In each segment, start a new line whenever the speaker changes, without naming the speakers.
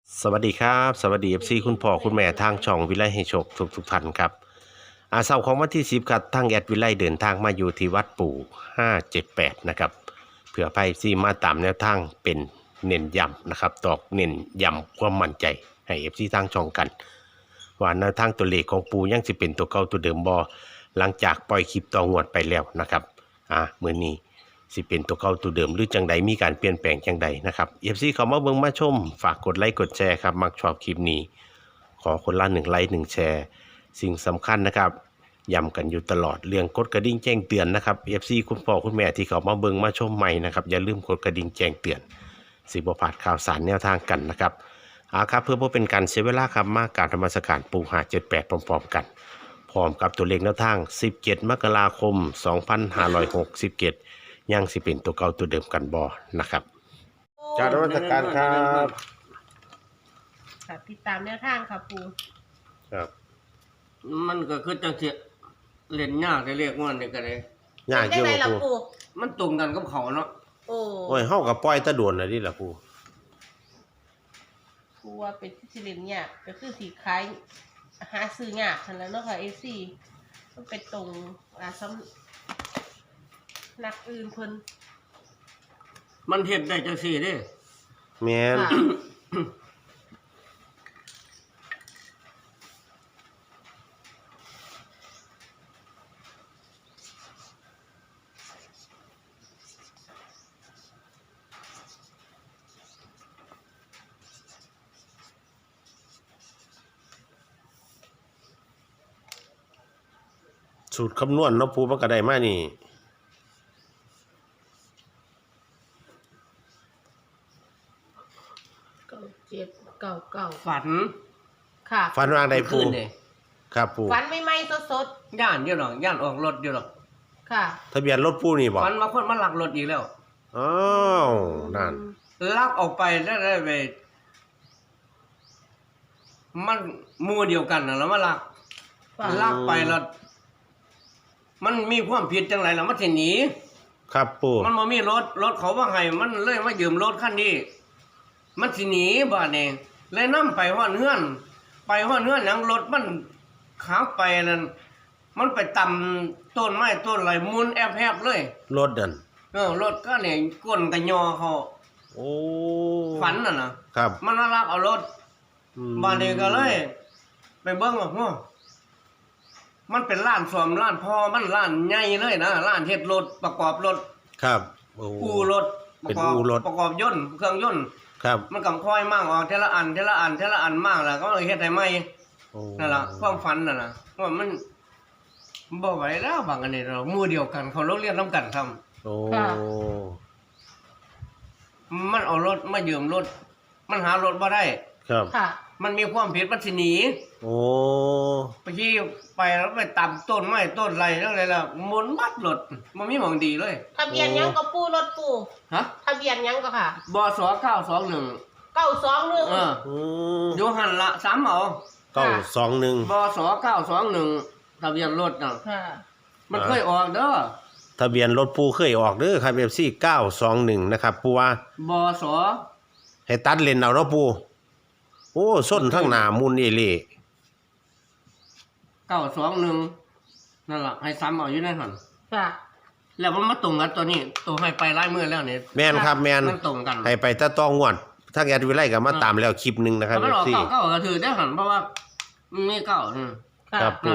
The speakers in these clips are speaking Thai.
สวัสดีครับสวัสดีคุณพ่อคุณแม่ทางช่องวิไลให้โชคทุกท่านครับเสาร์ของวันที่10ครับทางแอดวิไลเดินทางมาอยู่ที่วัดปู่578นะครับเพื่อไปมาตามแนวทางเป็นเน้นย้ำนะครับตอกเน้นย้ำความมั่นใจให้ทางช่องกันว่าแนวทางตัวเลขของปู่ยังสิเป็นตัวเก่าตัวเดิมบ่หลังจากปล่อยคลิปต่องวดไปแล้วนะครับมื้อนี้สิเป็นตัวเก่าตัวเดิมหรือจังใดมีการเปลี่ยนแปลงจังใดนะครับเข้ามาเบิ่งมาชมฝากกดไลค์กดแชร์ครับมักชอบคลิปนี้ขอคนละ1 ไลค์ 1 แชร์สิ่งสำคัญนะครับย้ำกันอยู่ตลอดเรื่องกดกระดิ่งแจ้งเตือนนะครับคุณพ่อคุณแม่ที่เขามาเบิ่งมาชมใหม่นะครับอย่าลืมกดกระดิ่งแจ้งเตือนสิบ่พลาดข่าวสารแนวทางกันนะครับครับเพื่อบ่เป็นการเสียเวลาครับมากราบนมัสการปู่578พร้อมๆกันพร้อมกับตัวเลขแนวทาง17 มกราคม 2567ยังสิเป็นตัวเก่าตัวเดิมกันบ่นะครับจากนมัสการครับ
ค่ะติดตามแนวทางค่ะปู
ครับ
มันก็คือจังสิเล่นยากได้เรียกว่านี่ก็ได้
ยากอยู่
ล่ะปู
มันตรงกันกับเขาเนาะ
โอ้
ยเฮาก็ปล่อยตะโดนน่ะดิล่ะปู่
ปูว่าเป็นที่สิเล่นยากก็คือสิขายหาซื้อยากซั่นแหล้วเนาะค่ะ FC มันเป็นตรงสำนักอื่นเพิ่น
มันเฮ็ดได้จังซี่เด้
แม่นสูตรคำนวณเนาะปู่มันก็ได้มานี่
9799
ฝัน
ค่ะ
ฝันว่าใดปู่ครับปู่
ฝันใหม่ๆสด
ย่านอยู่หรอกย่านออกรถอยู่หรอก
ๆค่ะ
ทะเบียนรถปู่นี่บ่
ฝันว่าคนมาลักรถอีกแล้ว
อ้าวนั่น
ลักออกไปได้ไปมันหมู่เดียวกันน่ะแล้วมาลักไปแล้วมันมีความผิดจังไรล่ะมันสิหนี
ครับปู่
มันบ่มีรถเขาว่าให้มันเลยมายืมรถคันนี้มันสิหนีบ้านเองเลยนำไปฮอดเฮือนหยังรถมันขาไปนั่นมันไปตำต้นไม้ต้นไรมุนแอบๆเลย
รถดัน
รถก็เนี่ยก้นกระยอเขา
โอ้
ฝันน่ะนะครับมันน่ารักเอารถบ้านเองก็เลยไปเบิ่งว่ามันเป็นร้านซ่อมร้านพ่อมันร้านใหญ่เลยนะร้านเฮ็ดรถประกอบรถ
ครับ
อู่รถ
เป็นอู่รถ
ประกอบยนต์เครื่องยนต์
ครับ
มันก็ค่อยมั่งออกทีละอันมั่งแล้วก็เลยเฮ็ดให้ใหม่นั่นล่ะความฝันน่ะนะว่ามันบ่ไหวแล้วบางอันนี้เราหมู่เดียวกันเขาโรงเรียนนำกันทำ
โอ้
มันเอารถมายืมรถมันหารถบ่ได้
ครับ
ค่ะ
มันมีความผิดมันสิหนี
โอ้
ไปที่ไปแล้วไปตำต้นไม้ต้นไรแล้วอะไรล่ะหมุนบัดรถมันมีหม่องดีเลย
ทะเบียนหยังก็ปูรถปู
ฮะ
ทะเบียนหยังก็ค่ะ
บส921อยู่หั่นละ3เอา
921
บส921ทะเบียนรถน่ะ
ค่ะ
มันเคยออกเด้อ
ทะเบียนรถปู่เคยออกเด้อครับ FC 921นะครับปู่ว่า
บส
ให้ตัดเลนเอาเนาะปู่โอ้ส้นทั้งหน้ามุนเอเล่
921นั่นล่ะให้ซ้ำเอาอยู่ในหั่น
ค่ะ
แล้วมันมาตรงกันตัวนี้ตัวให้ไปหลายมื้อแล้วนี่
แม่นครับแม่น
มันตรงกัน
ให้ไปตะต้องงวดถ้าแอดวิไลก็มาตามแล้วคลิปนึงนะครับ
FC เก้าก็ถือได้หั่นเพราะว่ามีเก้า
ครับปู่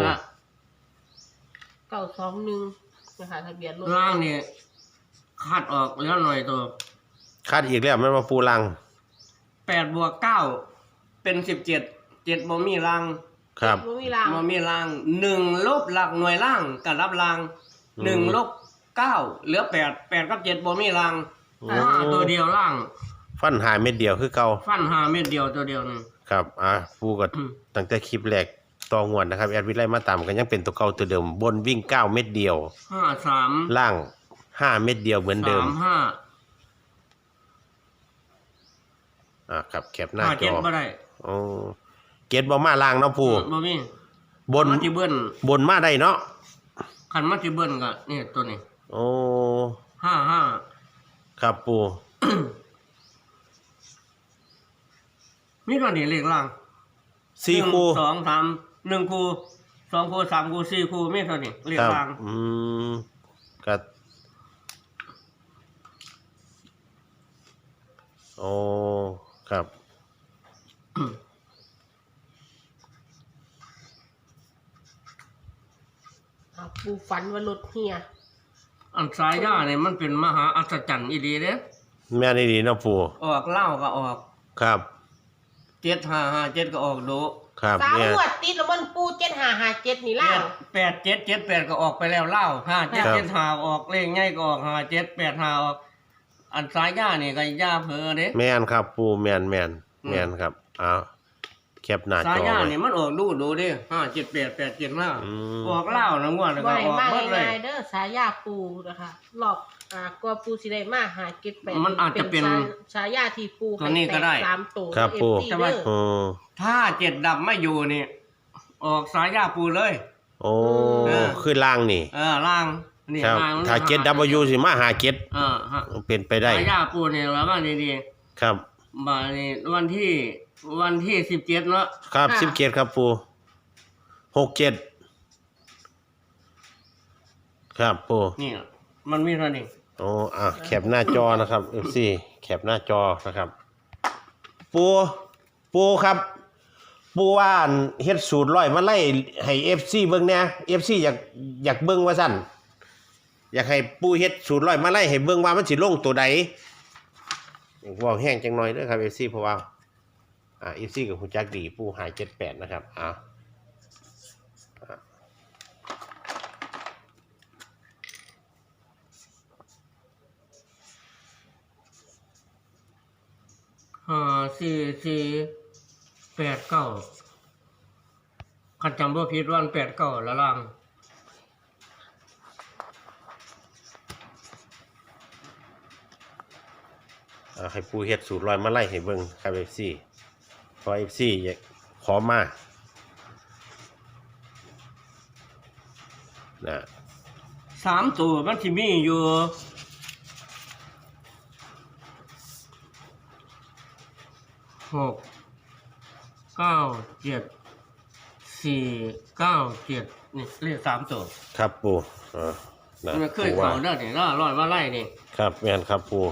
921นะคะทะเบียนรถ
ล่างนี่คัดออกแล้วหน่อยตัว
คัดอีกแล้วมันมาปูลัง
8 บวก 9เป็น17 7บ่มีล่าง
ครับ
บ่มีล่าง
1ลบหลักหน่วยล่างกับรับล่าง1ลบ9เหลือ8กับ7บ่มีล่างตัวเดียวล่าง
ฟันหาเม็ดเดียวคือเก่า
ฟัน5เม็ดเดียวตัวเดียวนึง
ครับปูก็ตั้งแต่คลิปแรกต่องวดนะครับแอดวิไลมาตามกันยังเป็นตัวเก่าตัวเดิมบนวิ่ง9เม็ดเดียว
53
ล่าง5เม็ดเดียวเหมือนเดิมครับแคปหน้าจอ
บ่ได้
เกตบ่มาล่างเนาะปู่
บ่มี
บน
ที่เบิ้น
บนมาได้เนาะ
คันมาที่เบิ้นก็นี่ตัวนี้
โอ้
55
ครับปู่
มีตัวนี้เลขล่าง
สี่คู่
1 2 3 1คู่2คู่3คู่4คู่มีตัวนี้เลข
ครับ
ล่าง
ก็โอ้ครับ
ปูฝันว่ารถเฮีย
อันสายยาเนี่ยมันเป็นมหาอัศจรรย์อีหลีเด้
แม่นี่ดีเนาะปู่
ออกเหล้าก็ออก
ครับ
7557ก็ออกโด
ครับ
3
เนี่ย
งวดติดแล้วมันปู7557นี่ล่ะ
8778ก็ออกไปแล้วเหล้า5775ออกเลขใหญ่ก็ออก5785ออกอันสายยานี่ก็ย่าเผลอเด้
แม่นครับปู่แม่นครับอ้าวแคปหน้า
สาย
จอ
ญา
ไว้
นี่มันออกดูดิ578
อืม
875ออกเหล้านะงวดแล้ว
บ่
ก็
ได้
ออก
มา
หมดเลย
ง่ายๆเด้อสายาปูนะคะรอบกว่าปูสิได้มา578
มันอาจจะเป็น
ฉายาที่ปู
ตัวนี้ก็ได้
ให้แต3ตัว
ครับ
เอฟ
ปู่
ซี
แต่ว่า
เด้อ
โอ้
ถ้า7ดับไม่อยู่นี่ ออกสายญาปูเลย
โอ้
เออ
คือล่างนี่
ล่างนี่
ครับ
ล่างมัน
ถ้าเจ็ด W สิมาหาเจ็ด
ฮะ
เป็นไปได้
สายญาปูนี่แล้วบ้างดี
ครับ
ๆมานี่วันที่17เนาะ
ครับ17ครับปู่67ครับปู่
นี่มันมีเท่านี้
โอ้แคปหน้าจอนะครับ FC แคปหน้าจอนะครับ ปูครับปูว่าอั่นเฮ็ดสูตรร้อยมาไล่ให้ FC เบิ่งแหน่ FC อยากเบิ่งว่าซั่นอยากให้ปูเฮ็ดสูตรร้อยมาไล่ให้เบิ่งว่ามันสิลงตัวใดเว้าแห้งจังหน่อยเด้อครับ FC เพราะว่าFC กับฮู้จักดีปูหาย78นะครับ
5489คันจำบ่ผิดวัน89ละล่าง
ให้ปูเฮ็ดสูตรร้อยมาไล่ให้เบิ่งครับ FC เพราะ FC อยากขอมานะ
3ตัวมันสิมีอยู่6 9 7 4 9 7นี่เลข3ตัว
ครับปูนะ
มันเคย
ปูว่า
เข้าเด้อนี่ล่ะร้อยมาไล่นี่
ครับแม่นครับปู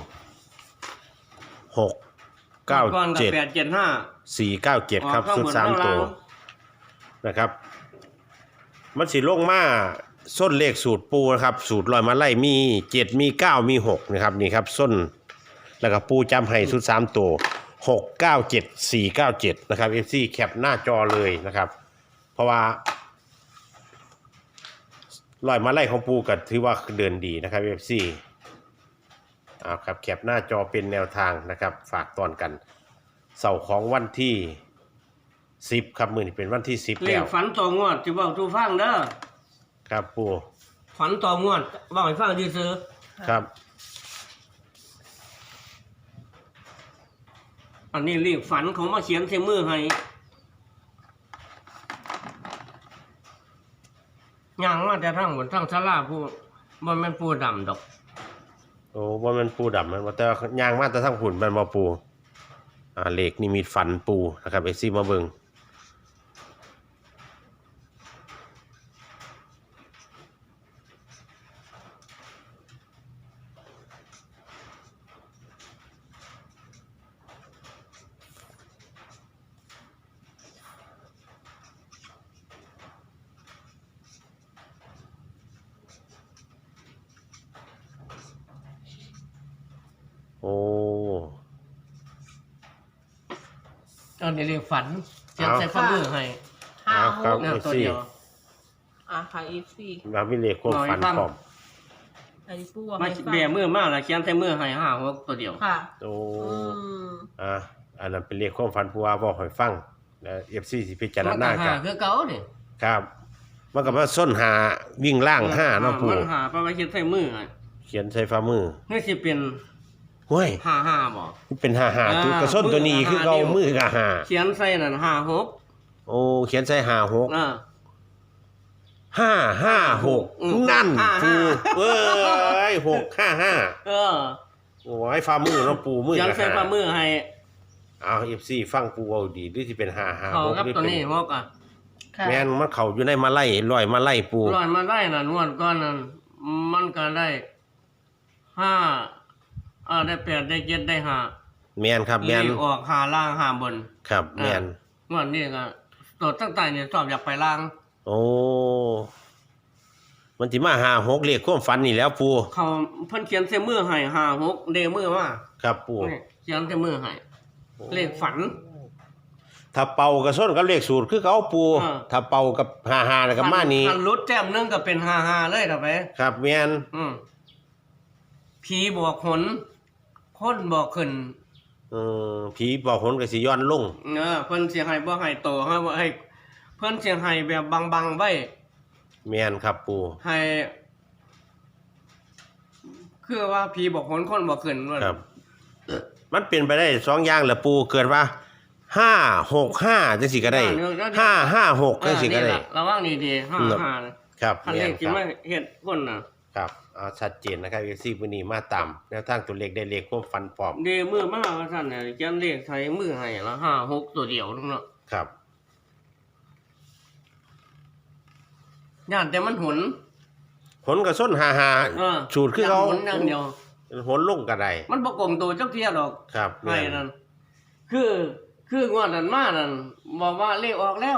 6
ก่อน
9
ก็
7
875
4 9 7ครับชุด3ตัวนะครับ มันสิลงมาส้นเลขสูตรปูนะครับสูตรลอยมาไล่มี7มี9มี6นะครับนี่ครับส้นแล้วก็ปูจำให้ชุด3ตัว6 9 7 4 9 7นะครับ FC แคปหน้าจอเลยนะครับ เพราะว่าลอยมาไล่ของปูก็ถือว่าเดินดีนะครับ FC ครับแคปหน้าจอเป็นแนวทางนะครับฝากตอนกันเสาร์ของวันที่10ครับมื้อนี้เป็นวันที่10
เล
แล้
ข
ว
ฝันต่องวดสิเว้าสู่ฟังเด้อ
ครับปู
ฝันต่องวดเว้าให้ฟังซื่อ
ครับ
ๆอันนี้เลขฝันเขามาเขียนใส่มือให้ย่างมาแต่ทางบนทางศาลาผู้บ่แม่นผู้ดำดอก
โอ้ว่ามันปูดำมันว่าแต่ว่ายางมาแต่ทั้งผุนมันมาปูเหล็กนี่มีฝันปูนะครับFCมาเบิ่งโอ้
อันนี้เรียกฝันเขียนใส่ฝ่ามือให้
ครับ
แนวตัว
FC
เดียว
ค่ะเอฟซี
มามีเหล็กความฝันพร้อม
อันนี้ปูว่า
มา
ให้ฟัง
แบมือมาแล้วเขียนใส่มือให้5 6ตัวเดียว
ค่ะ
โอ้
อืม
อันนั้นเป็นเหล็กความฝันผู้ว่าบอกให้ฟังแล้ว FC สิพิจาร
มัน
ณา
ก็
กัน
คือเก่านี่
ครับ มันก็มาส้นหาวิ่งล่าง5เนาะปู
มันหาไปไว้เขียนใส่มือให้
เขียนใส่ฝ่ามือ
นี่สิเป็น
ห้วย
55บ่
เป็น5ตัวกระส้นตัวนี้คือเอามือกับ
เขียนใส่นั่น5 6
5โอ้เขียนใส่56 556นั่นปูเอ้ย655
เออ
โอ้ยฝ่ามือเนาะปูมือ
เขียน
กับ
ใส่ฝ่ามือให้
เอา FC ฟังปูเอาดีหรือสิเป็น556
เขากับ
หรือ
ตัว
เป็น
นี้งกอ่ะ
ค่ะ
แม่นมันเข้าอยู่ในมาไล่ลอยมาไล่ปู
ลอยมาได้น่ะนวดก้อนนั้นมันก็ได้5ได้8ได้7ได้5
แม่นครับ
เล
แม่น
ขออก5ล่าง5บน
ครับแม่น
งวดนี้ก็ตัวตั้งแต่เนี่ยชอบอยากไปล่าง
โอ้มันสิมา56เลขความฝันนี่แล้วปู
เขาเพิ่นเขียนใส่มือให้56เดมือมา
ครับปู
นี่เขียนใส่มือให้เลขฝัน
ถ้าเป่ากับส้นกับเลขสูตรคือเขาปู
อ่า
ถ้าเป่ากับ55แล้วก็มานี่
คันรุดแต้มหนึงก็เป็น55เลยต่อไป
ครับแม่น
ผีบอกหนคนบอกขึ้น
ผีบอกหนก็สิย้อนลง
เพิ่นสิให้บ่ให้โตให้เพิ่นสิให้แบบบังๆไว้
แม่นครับปู
ให้คือว่าผีบอกหนคนบอกขึ้นว่า
ครับ มันเป็นไปได้สองอย่างแหละปูเกิดว่า565จังสิก็ได้556จังสิก็ได้
นี่ล่ะระวังนี่ดี55นะครับ คัน
แม่
เล
น
ข
ค
ที่
รับ
มาเฮ็ดคนน่ะ
ครับเอาชัดเจนนะครับ FC มื้อนี้มาตามแนวทางตัวเลขได้เลขความฝันปลอม
เดมือมาว่าซั่นน่ะเขียนเลขใส่มือให้ละ56ตัวเดียวนึงเนาะ
ครับ
ย่านแต่มันหน
หนกับส้น55สูตรคือเขา
หนอย่างเดียว
หนลงก็ได้
มันบ่กลมตัวจักเที่ยดอก
ครับ
ให้
แม่น
นั่นคืองวดนั้นมานั่นบอกว่าเลขออกแล้ว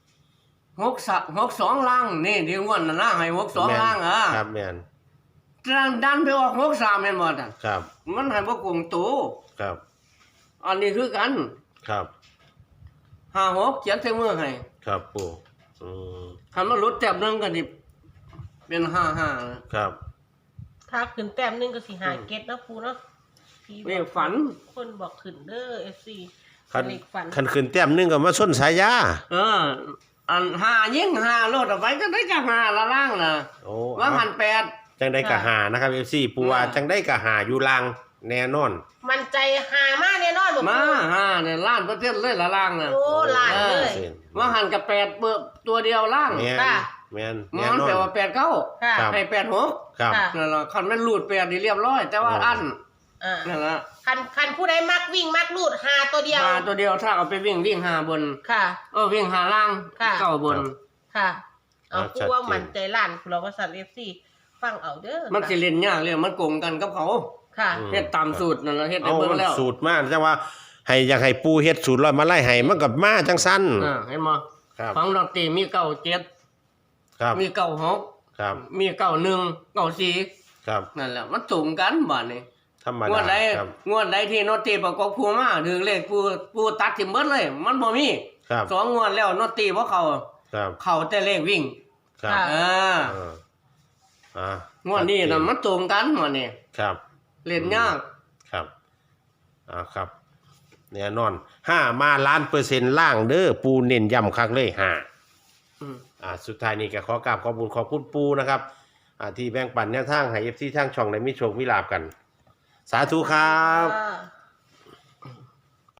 62ล่างนี่ที่งวดนั้นนะให้62ล่างอ่ะ
ครับแม่น
ดันไปออก63แม่นบ่ซั่น
ครับ
มันให้บ่กลมตัว
ครับ
อันนี้คือกัน
ครับ
56เขียนใส่มือให้
ครับปูอืม
คันมันลดแต้มนึงก็สิเป็น55นะครับ
ถ้าขึ้นแต้มหนึงก็สิหาเก็ตเนาะปูเนาะพี่บอก
เลขฝัน
คนบอกขึ้นเด้อ FC
คัน
เลขฝัน
คันขึ้นแต้มหนึงก็มาส้นสายยา
อัน5ยิ่ง5ลดออกไปก็ได้จะ5ละล่างน่ะ
โอ้
ว่าหัน
จังได้กะหานะครับ FC ปูว่าจังได้กะหาอยู่ลางแน่นอน
มันใจหามากแน่นอนบ่
8มา5เนี่ยล้านเปอร์เซ็นต์เลยละล่างน่ะ
โอ้หลายเลย
ว่าหันกับ8เปิดตัวเดียวล่าง
แม่น
ค่ะ
แม่น
มั
แน่
น
นอ
แปล
น
ว่า8 9
ค่ะ
ครับ
ให้8 6
ครับ
ค่ะ
นั่นล่ะคันมันรูด8นี่เรียบร้อย แต่ว่าอัน
อ่า
นั่นล่ะ
คันผู้ใดมักวิ่งมักลูดหาตัวเดียว
5ตัวเดียวถ้าเอาไปวิ่ง5บน
ค่ะ
วิ่ง5ล่าง
ค่ะ
9บน
ค่ะ เอา
ชั
ผู้
ดเจน
ว่ามันใจล้านเราว่าสัตว์ FC ฟังเอาเด้อ
มันสิเล่นยากเลยมันโกงกันกับเขา
ค่ะ
อืม
เฮ็ดตามสูตรนั่นล่ะเฮ็ดให้
เอา
เบิ่งแล้ว
สูตรมาจังว่าให้อยากให้ปูเฮ็ดสูตรลอยมาไล่ให้มันก็มาจังซั่น
เห็นบ่
ครับ
ฟังดอกตีมี97
ครับ
มี96
ครับ
มี91 94
ครับ
นั่นแหละมันสูงกันบัดนี้
ธรรม
งว
ดา
ดใด
ครับ
งวดใดที่โนตีประกอบคู่มาถึงเลขผู้ตัดทิมเบิดเลย มันบ่มี
ครับ
2งวดแล้วโนตีบ่เข้า
ครับ
เข้าแต่เลขวิ่ง
ครับ
ค่ะ
เออ
เอออ่าง
วดนี้น่ะมันตรงกันหมดนี่
ครับ
เล่นยาก
ครับครับแน่นอน5มาล้านเปอร์เซ็นต์ล่างเด้อปูเน้นย้ำคักเลย5
อืม
สุดท้ายนี้ก็ขอกราบขอบคุณปูนะครับที่แบ่งปันแนวทางให้ FC ทางช่องได้มีโชคมีลาภกัน สาธุครับ
ค่ะ